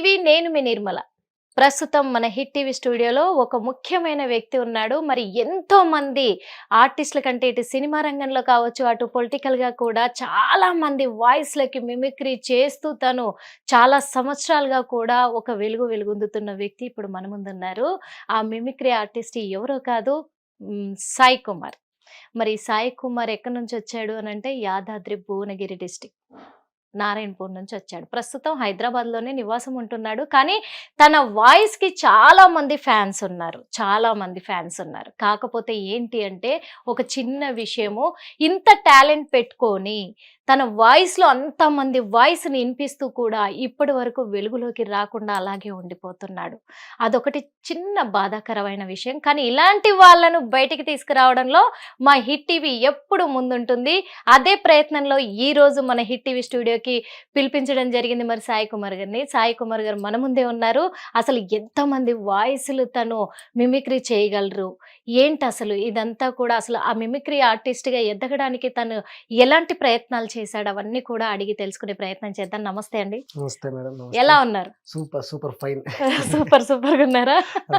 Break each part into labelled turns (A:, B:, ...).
A: TV నేను మీ నిర్మల. ప్రస్తుతం మన హిట్ టీవీ స్టూడియోలో ఒక ముఖ్యమైన వ్యక్తి ఉన్నాడు. మరి ఎంతో మంది ఆర్టిస్టుల కంటే ఇటు సినిమా రంగంలో కావచ్చు, అటు పొలిటికల్‌గా కూడా చాలా మంది వాయిస్‌లకి మిమిక్రీ చేస్తూ తను చాలా సంవత్సరాలుగా కూడా ఒక వెలుగొందుతున్న వ్యక్తి ఇప్పుడు మన ముందున్నారు. ఆ మిమిక్రీ ఆర్టిస్ట్ ఎవరో కాదు, సాయి కుమార్. మరి సాయి కుమార్ ఎక్కడి నుంచి వచ్చాడు అనంటే యాదాద్రి భువనగిరి డిస్ట్రిక్ట్ నారాయణపూర్ నుంచి వచ్చాడు. ప్రస్తుతం హైదరాబాద్‌లోనే నివాసం ఉంటున్నాడు. కానీ తన వాయిస్‌కి చాలా మంది ఫ్యాన్స్ ఉన్నారు. కాకపోతే ఏంటి అంటే ఒక చిన్న విషయము, ఇంత టాలెంట్ పెట్టుకొని తన వాయిస్‌లో అంతమంది వాయిస్‌ని వినిపిస్తూ కూడా ఇప్పటి వరకు వెలుగులోకి రాకుండా అలాగే ఉండిపోతున్నాడు. అదొకటి చిన్న బాధాకరమైన విషయం. కానీ ఇలాంటి వాళ్ళను బయటికి తీసుకురావడంలో మా హిట్ టీవీ ఎప్పుడు ముందుంటుంది. అదే ప్రయత్నంలో ఈరోజు మన హిట్ టీవీ స్టూడియోకి పిలిపించడం జరిగింది మరి సాయి కుమార్ గారిని. సాయి కుమార్ గారు మన ముందే ఉన్నారు. అసలు ఎంతమంది వాయిస్‌లు తను మిమిక్రీ చేయగలరు, ఏంటి అసలు ఇదంతా కూడా, అసలు ఆ మిమిక్రీ ఆర్టిస్ట్‌గా ఎదగడానికి తను ఎలాంటి ప్రయత్నాలు చేశాడు, అవన్నీ కూడా అడిగి తెలుసుకునే ప్రయత్నం చేద్దాం. నమస్తే అండి.
B: నమస్తే మేడం.
A: ఎలా ఉన్నారు?
B: Super fine.
A: సూపర్గా ఉన్నారా?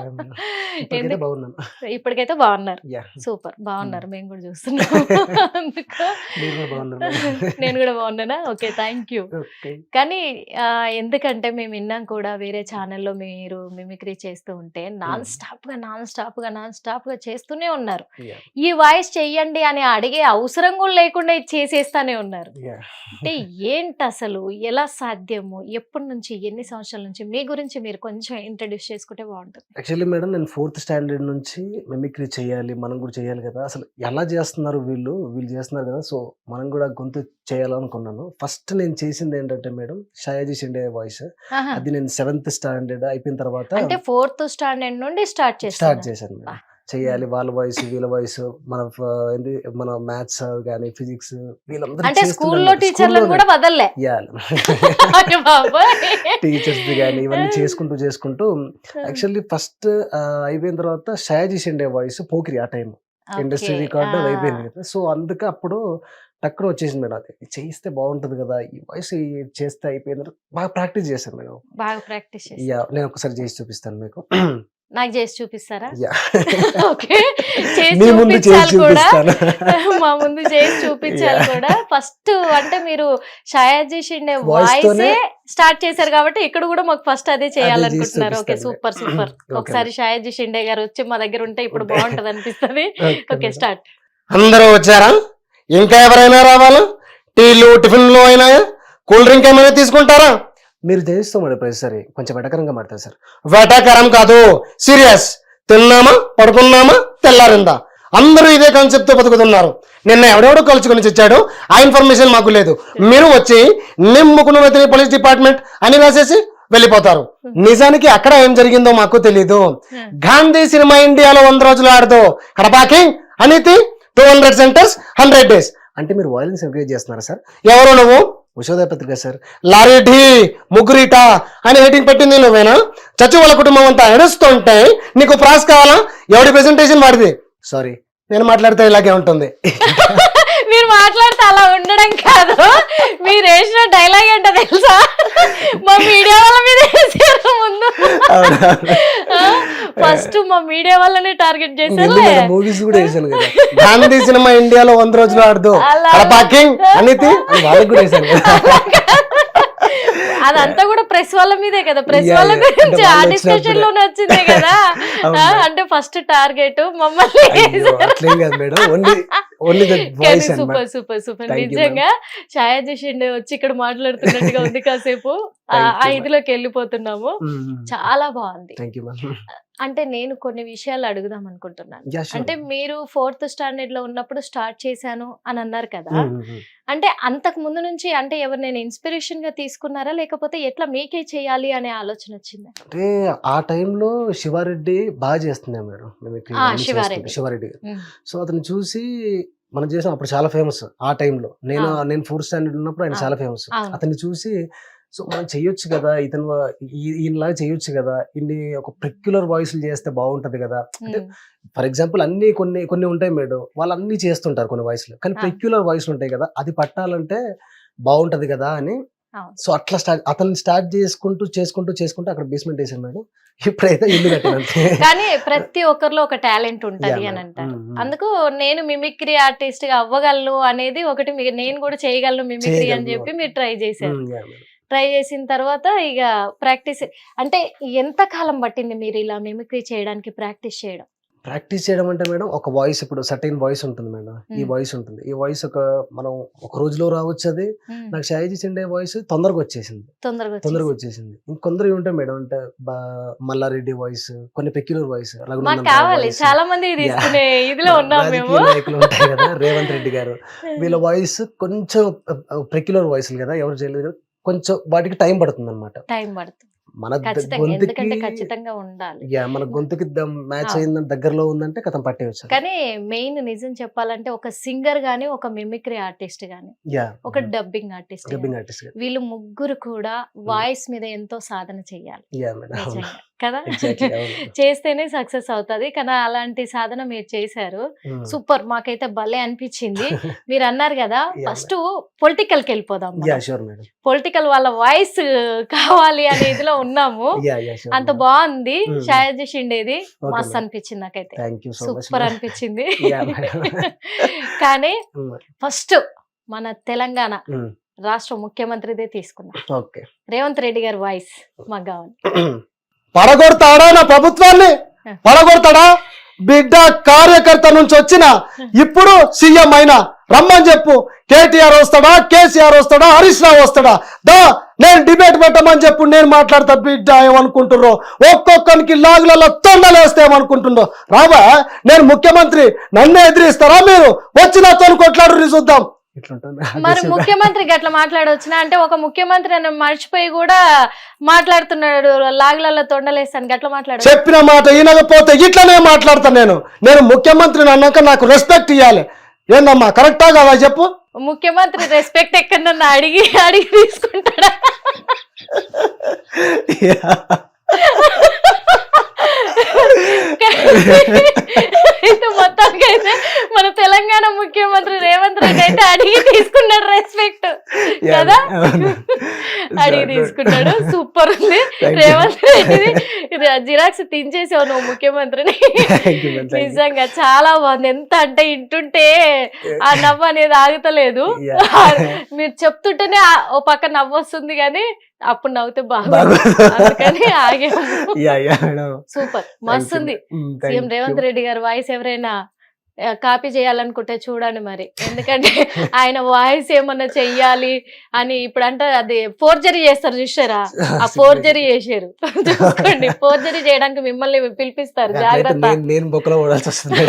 A: ఇప్పటికైతే బాగున్నారు. సూపర్ బాగున్నారు. మేము కూడా చూస్తున్నాం. నేను కూడా బాగున్నానా? Okay, thank you. కానీ ఎందుకంటే మేము విన్నాం కూడా వేరే ఛానల్లో మీరు మిమిక్రీ చేస్తూ ఉంటే నాన్ స్టాప్ గా చేస్తూనే ఉన్నారు. ఈ వాయిస్ చెయ్యండి అని అడిగే అవసరం కూడా లేకుండా ఇది చేసేస్తానే ఉన్నారు. అంటే ఏంటి అసలు, ఎలా సాధ్యము, ఎప్పటి నుంచి, ఎన్ని సంవత్సరాల నుంచి, మీ గురించి మీరు కొంచెం ఇంట్రడ్యూస్ చేసుకుంటే బాగుంటుంది.
B: యాక్చువల్లీ మేడం, నేను 4th స్టాండర్డ్ నుంచి మిమిక్రీ చేయాలి, మనం కూడా చేయాలి కదా, అసలు ఎలా చేస్తున్నారు వీళ్ళు చేస్తున్నారు కదా, సో మనం కూడా గొంతు చేయాలనుకున్నాను. ఫస్ట్ నేను చేసింది ఏంటంటే మేడం, షయాజీ షిండే వాయిస్. అది నేను 7th స్టాండర్డ్ అయిపోయిన తర్వాత
A: అంటే 4th స్టాండర్డ్ నుండి స్టార్ట్
B: చేశాను మేడం. చేయాలి వాళ్ళ వాయిస్ వీళ్ళ వాయిస్, మన మ్యాథ్స్ కానీ ఫిజిక్స్ వీళ్ళందరూ
A: స్కూల్లో టీచర్లను కూడా వదలలే,
B: టీచర్స్ కానీ ఇవన్నీ చేసుకుంటూ యాక్చువల్లీ ఫస్ట్ అయిపోయిన తర్వాత షయాజీ షిండే వాయిస్ పోకిరి ఆ టైం ఇండస్ట్రీ రికార్డ్ అయిపోయింది కదా, సో అందుకే అప్పుడు టక్కున వచ్చేసింది మేడం. అది చేయిస్తే బాగుంటది కదా, ఈ వాయిస్ చేస్తే అయిపోయింది. బాగా ప్రాక్టీస్ చేశాను మేడం. నేను ఒకసారి చేసి చూపిస్తాను మీకు.
A: నాకు చేసి చూపిస్తారా? ఓకే, మా ముందు చేసి చూపించాలి కూడా. ఫస్ట్ అంటే మీరు షయాజీ షిండే వాయిస్ స్టార్ట్ చేశారు కాబట్టి ఇక్కడ కూడా మాకు ఫస్ట్ అదే చేయాలనుకుంటున్నారు. Okay, super. ఒకసారి షయాజీ షిండే గారు వచ్చి మా దగ్గర ఉంటే ఇప్పుడు బాగుంటది అనిపిస్తుంది. Okay, start.
C: అందరూ వచ్చారా? ఇంకా ఎవరైనా రావాలా? టీలు టిఫిన్లు అయినా, కూల్ డ్రింక్ ఏమైనా తీసుకుంటారా?
B: మీరు చేయిస్తాం మేడం ప్రతిసారి కొంచెం వెటకరంగా మాడతారు సార్.
C: వెటకరం కాదు, సీరియస్. తిన్నామా, పడుకున్నామా, తెల్లారిందా, అందరూ ఇదే కాన్సెప్ట్ తో బతుకుతున్నారు. నిన్న ఎవడెవడో కలుసుకొని వచ్చాడు, ఆ ఇన్ఫర్మేషన్ మాకు లేదు. మీరు వచ్చి నిమ్ముకున్న పోలీస్ డిపార్ట్మెంట్ అని రాసేసి వెళ్ళిపోతారు. నిజానికి అక్కడ ఏం జరిగిందో మాకు తెలీదు. గాంధీ సినిమా ఇండియాలో 100 రోజులు ఆడదు, కడపాకింగ్ అనితి 200 సెంటర్స్ 100 days
B: అంటే మీరు వాయిలెన్స్ ఎంకరేజ్ చేస్తున్నారా సార్?
C: ఎవరు నువ్వు?
B: ఉషోదయ పత్రిక సార్.
C: లారీ ఢీ ముగ్గురిట అని హెడ్డింగ్ పెట్టింది నువ్వేనా? చచ్చి వాళ్ళ కుటుంబం అంతా ఎడుస్తుంటే నీకు ప్రాస్ కావాలా? ఎవడి ప్రెజెంటేషన్ వాడిది.
B: సారీ,
C: నేను మాట్లాడితే ఇలాగే ఉంటుంది.
A: మీరు మాట్లాడితే అలా ఉండడం కాదు, మీరు వేసిన డైలాగ్ ఏంటో తెలుసా? మా మీడియా వాళ్ళ మీద వేసారు ముందు. ఫస్ట్ మా మీడియా వాళ్ళనే టార్గెట్ చేశారు.
B: మూవీస్ కూడా వేసాను కదా.
C: గాంధీ సినిమా ఇండియాలో 100 రోజులు ఆడదు, కడపాకింగ్ అనితి
B: వాళ్ళకి కూడా వేసాను.
A: అదంతా కూడా ప్రెస్ వాళ్ళ మీదే కదా, ప్రెస్ వాళ్ళ గురించి ఆ డిస్కషన్ లోనే వచ్చిందే కదా. అంటే ఫస్ట్ టార్గెట్ మమ్మల్ని. సూపర్. నిజంగా షయాజీ షిండే వచ్చి ఇక్కడ మాట్లాడుతున్నట్టుగా ఉంది. కాసేపు ఆ ఇదిలోకి వెళ్ళిపోతున్నాము. చాలా బాగుంది. అంటే నేను కొన్ని విషయాలు అడుగుదాం అనుకుంటున్నాను. అంటే మీరు 4th స్టాండర్డ్ లో ఉన్నప్పుడు స్టార్ట్ చేశాను అని అన్నారు కదా, అంటే అంతకు ముందు నుంచి అంటే ఎవరినైనా ఇన్స్పిరేషన్ గా తీసుకున్నారా, లేకపోతే ఎట్లా మీకే చేయాలి అనే ఆలోచన వచ్చిందా?
B: అంటే ఆ టైంలో శివారెడ్డి బాగా చేస్తున్నాడు మేడం, శివారెడ్డి. సో అతను చూసి మనం చేసాం. అప్పుడు చాలా ఫేమస్ ఆ టైంలో. నేను 4th స్టాండర్డ్ ఉన్నప్పుడు ఆయన చాలా ఫేమస్. అతన్ని చూసి సో మనం చెయ్యొచ్చు కదా, ఈయనలాగా చెయ్యొచ్చు కదా, ఇన్ని ఒక పెక్యులర్ వాయిస్లు చేస్తే బాగుంటది కదా. అంటే ఫర్ ఎగ్జాంపుల్ కొన్ని ఉంటాయి మేడం, వాళ్ళు అన్ని చేస్తుంటారు కొన్ని వాయిస్లు, కానీ పెక్యులర్ వాయిస్లు ఉంటాయి కదా, అది పట్టాలంటే బాగుంటది కదా అని
A: అవును.
B: సో అట్లా అతను స్టార్ట్ చేసుకుంటూ అక్కడ బేస్మెంట్ వేసాను మేడం. ఇప్పుడైతే ఇల్లు కట్టాను అంతే.
A: కానీ ప్రతి ఒక్కరిలో ఒక టాలెంట్ ఉంటది
B: Yeah,
A: అని
B: madam.
A: అంటారు.
B: Mm.
A: అందుకు నేను మిమిక్రీ ఆర్టిస్ట్ గా అవ్వగలను అనేది ఒకటి, నేను కూడా చేయగలను మిమిక్రీ అని
B: చేయగలను.
A: చెప్పి మీరు ట్రై చేశారు.
B: Yeah, madam.
A: ట్రై చేసిన తర్వాత ఇక ప్రాక్టీస్, అంటే ఎంత కాలం పట్టింది మీరు ఇలా మిమిక్రీ చేయడానికి ప్రాక్టీస్ చేయడం?
B: ప్రాక్టీస్ చేయడం అంటే మేడం ఒక వాయిస్, ఇప్పుడు సర్టైన్ వాయిస్ ఉంటుంది మేడం. ఈ వాయిస్ ఉంటుంది, ఈ వాయిస్ మనం ఒక రోజులో రావచ్చు. అది నాకు షాయిజీ సిండే వాయిస్ తొందరగా వచ్చేసింది.
A: తొందరగా
B: వచ్చేసింది. ఇంకొందరు ఉంటాయి మేడం, అంటే మల్లారెడ్డి వాయిస్, కొన్ని పెక్యులర్ వాయిస్,
A: మాకు కావాలి, చాలా మంది తీసుకునే ఇదిలో ఉన్నాం మేము.
B: నాయకులు ఉంటాయి కదా, రేవంత్ రెడ్డి గారు, వీళ్ళ వాయిస్ కొంచెం పెక్యులర్ వాయిస్ కదా, ఎవరు చేయలేదు కదా, కొంచెం వాటికి టైం పడుతుంది అనమాట.
A: టైం పడుతుంది
B: మన
A: ఖచ్చితంగా, ఎందుకంటే
B: గొంతుకి
A: ఖచ్చితంగా ఉండాలి.
B: మన గొంతుకి మ్యాచ్
A: ఆ.
B: అయిందని దగ్గరలో ఉందంటే కథం పట్టేవచ్చు.
A: కానీ మెయిన్ నిజం చెప్పాలంటే ఒక సింగర్ గానీ, ఒక మిమిక్రీ ఆర్టిస్ట్ గానీ, ఒక డబ్బింగ్ ఆర్టిస్ట్,
B: డబ్బింగ్ ఆర్టిస్ట్.
A: వీళ్ళు ముగ్గురు కూడా వాయిస్ మీద ఎంతో సాధన చెయ్యాలి నిజంగా కదా. చేస్తేనే సక్సెస్ అవుతుంది. కానీ అలాంటి సాధన మీరు చేశారు. సూపర్, మాకైతే భలే అనిపించింది. మీరు అన్నారు కదా ఫస్ట్ పొలిటికల్ కి వెళ్ళిపోదాం, పొలిటికల్ వాళ్ళ వాయిస్ కావాలి అనే ఇదిలో ఉన్నాము. అంత బాగుంది షాయిజీ షిండేది, మస్త్ అనిపించింది నాకైతే, సూపర్ అనిపించింది. కానీ ఫస్ట్ మన తెలంగాణ రాష్ట్ర ముఖ్యమంత్రిదే తీసుకున్నాం, రేవంత్ రెడ్డి గారి వాయిస్ మాకు కావాలి.
C: పడగొడతాడా నా ప్రభుత్వాన్ని? పడగొడతాడా? బిడ్డ కార్యకర్త నుంచి వచ్చిన ఇప్పుడు సీఎం అయినా రమ్మని చెప్పు. కేటీఆర్ వస్తాడా, కేసీఆర్ వస్తాడా, హరీష్ రావు వస్తాడా? దా నేను డిబేట్ పెట్టమని చెప్పు, నేను మాట్లాడతా. బిడ్డ ఏమనుకుంటుర్రో, ఒక్కొక్కరికి లాగులలో తొండలేస్తే ఏమనుకుంటుండో. రావా, నేను ముఖ్యమంత్రి, నన్ను ఎదిరిస్తారా మీరు? వచ్చిన తోలు కొట్లాడు చూద్దాం.
A: మరి ముఖ్యమంత్రి గట్లా మాట్లాడవచ్చునా? అంటే ఒక ముఖ్యమంత్రి అని మర్చిపోయి కూడా మాట్లాడుతున్నాడు, లాగులలో తొండలేస్తాను గట్లా మాట్లాడు.
C: చెప్పిన మాట వినకపోతే ఇట్లనే మాట్లాడతాను. నేను ముఖ్యమంత్రిని అన్నాక నాకు రెస్పెక్ట్ ఇవ్వాలి. ఏందమ్మా, కరెక్టా కదా చెప్పు?
A: ముఖ్యమంత్రి రెస్పెక్ట్ ఎక్కడన్నా అడిగి తీసుకుంటాడా? మొత్తానికి అయితే మన తెలంగాణ ముఖ్యమంత్రి రేవంత్ రెడ్డి అయితే అడిగి తీసుకున్నాడు రెస్పెక్ట్ కదా, అడిగి తీసుకున్నాడు. సూపర్ ఉంది రేవంత్ రెడ్డి, జిరాక్స్ తించేసావు నువ్వు ముఖ్యమంత్రిని. నిజంగా చాలా బాగుంది. ఎంత అంటే ఇంటుంటే ఆ నవ్వు అనేది ఆగుతలేదు. మీరు చెప్తుంటేనే ఓ పక్క నవ్వు వస్తుంది, కానీ అప్పుడు నవ్వుతే బాగుంది, అందుకని ఆగాము. సూపర్, మస్తు ఉంది. సీఎం రేవంత్ రెడ్డి గారి వాయిస్ ఎవరైనా కాపీ చేయాలనుకుంటే చూడండి మరి, ఎందుకంటే ఆయన వాయిస్ ఏమన్నా చెయ్యాలి అని ఇప్పుడు అంటే అది ఫోర్జరీ చేస్తారు చూసారా, ఆ ఫోర్జరీ చేశారు చూసుకోండి. ఫోర్జరీ చేయడానికి మిమ్మల్ని పిలిపిస్తారు, జాగ్రత్త.
B: నేను బొక్కలో పడాల్సి వస్తుంది.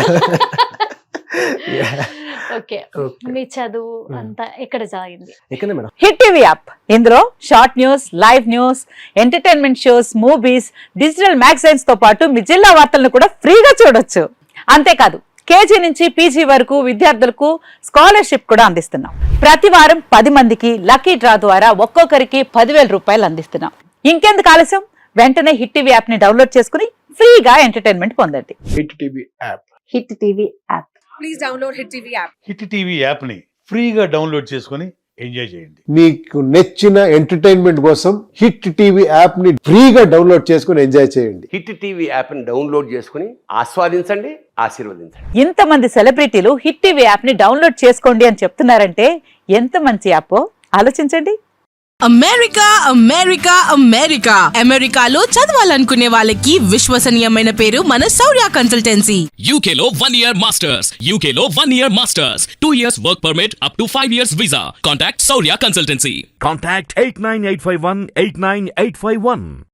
A: ఓకే, మీ చదువు అంతా ఎక్కడ సాగింది?
D: హిట్ టీవీ యాప్, ఇందులో short news, live news, entertainment shows, movies, digital magazines తో పాటు మీ జిల్లా వార్తలను కూడా ఫ్రీగా చూడొచ్చు. అంతేకాదు కేజీ నుంచి పీజీ వరకు విద్యార్థులకు స్కాలర్షిప్ కూడా అందిస్తున్నాం. ప్రతి వారం 10 మందికి లక్కీ డ్రా ద్వారా ఒక్కొక్కరికి 10,000 రూపాయలు అందిస్తున్నాం. ఇంకెందుకు ఆలస్యం, వెంటనే హిట్ టీవీ యాప్ ని డౌన్లోడ్ చేసుకుని ఫ్రీగా ఎంటర్టైన్మెంట్ పొందండి.
E: Hit TV app,
D: Hit TV app,
F: please download Hit TV app.
E: Hit TV app ని ఫ్రీగా డౌన్లోడ్ చేసుకొని ఎంజాయ్ చేయండి.
G: మీకు నచ్చిన ఎంటర్టైన్మెంట్ కోసం హిట్ టీవీ యాప్ ని ఫ్రీగా డౌన్లోడ్ చేసుకుని ఎంజాయ్ చేయండి.
H: హిట్ టీవీ యాప్ ని డౌన్లోడ్ చేసుకుని ఆస్వాదించండి, ఆశీర్వదించండి.
D: ఇంతమంది సెలబ్రిటీలు హిట్ టీవీ యాప్ ని డౌన్లోడ్ చేసుకోండి అని చెప్తున్నారంటే ఎంత మంచి యాప్ ఆలోచించండి.
F: అమెరికా అమెరికా అమెరికా అమెరికాలో చదవాలనుకునే వాళ్ళకి విశ్వసనీయమైన పేరు మన శౌర్య కన్సల్టెన్సీ.
I: UK లో 1 year masters, UK లో 1 year masters, 2 years work permit up to 5 years visa. Contact Saurya Consultancy.
J: Contact 89851 89851.